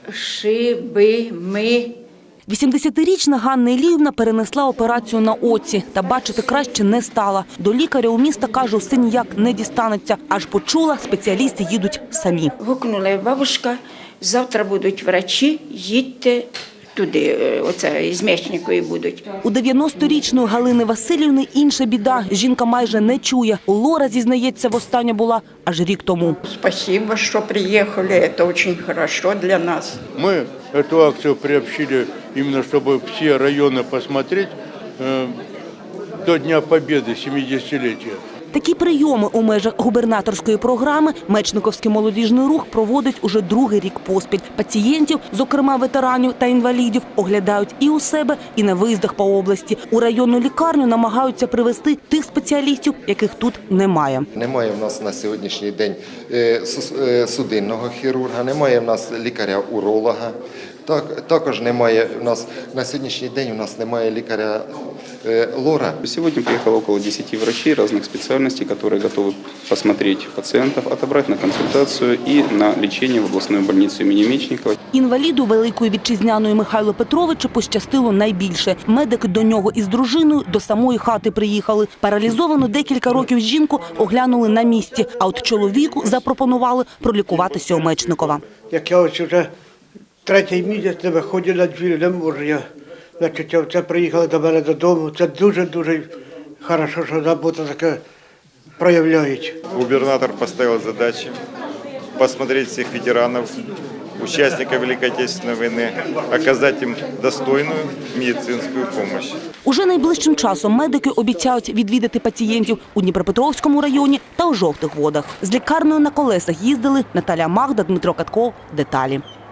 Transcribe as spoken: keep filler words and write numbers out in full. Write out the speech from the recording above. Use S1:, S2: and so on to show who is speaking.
S1: шиби, ми.
S2: вісімдесятирічна Ганна Іліївна перенесла операцію на оці та бачити краще не стала. До лікаря у міста, каже, все ніяк не дістанеться. Аж почула, спеціалісти їдуть самі.
S1: Гукнула бабушка, завтра будуть врачі, їдьте туди, оце, із Мечникої будуть.
S2: У дев'яносторічної Галини Васильівни інша біда. Жінка майже не чує. У Лора, зізнається, востаннє була аж рік тому.
S3: Спасибо, что приехали, это очень хорошо для нас.
S4: Мы эту акцию приобщили именно, чтобы все районы посмотреть э, до Дня Победы, семидесятилетия.
S2: Такі прийоми у межах губернаторської програми Мечниковський молодіжний рух проводить уже другий рік поспіль. Пацієнтів, зокрема ветеранів та інвалідів, оглядають і у себе, і на виїздах по області. У районну лікарню намагаються привезти тих спеціалістів, яких тут немає.
S5: Немає в нас на сьогоднішній день судинного хірурга, немає в нас лікаря-уролога. Так, також немає в нас на сьогоднішній день у нас немає лікаря е, Лора.
S6: Сегодня приехало около десяти врачей разных специальностей, которые готовы посмотреть пациентов, отобрать на консультацию и на лечение в областную больницу имени Мечникова.
S2: Інваліду Великої Вітчизняної Михайлу Петровичу пощастило найбільше. Медики до нього із дружиною до самої хати приїхали. Паралізовану декілька років жінку оглянули на місці, а от чоловіку запропонували пролікуватися у Мечникова.
S7: Як я ось вже третій місяць не виходжу на двір, не можу я. Значить, це приїхали до мене додому. Це дуже-дуже хорошо, що забота таке проявляють.
S8: Губернатор поставил задачи посмотреть всех ветеранов, участников Великой Отечественной войны, оказать им достойную медицинскую помощь.
S2: Уже найближчим часом медики обіцяють відвідати пацієнтів у Дніпропетровському районі та у Жовтих Водах. З лікарнею на колесах їздили Наталя Магда, Дмитро Катков. Деталі.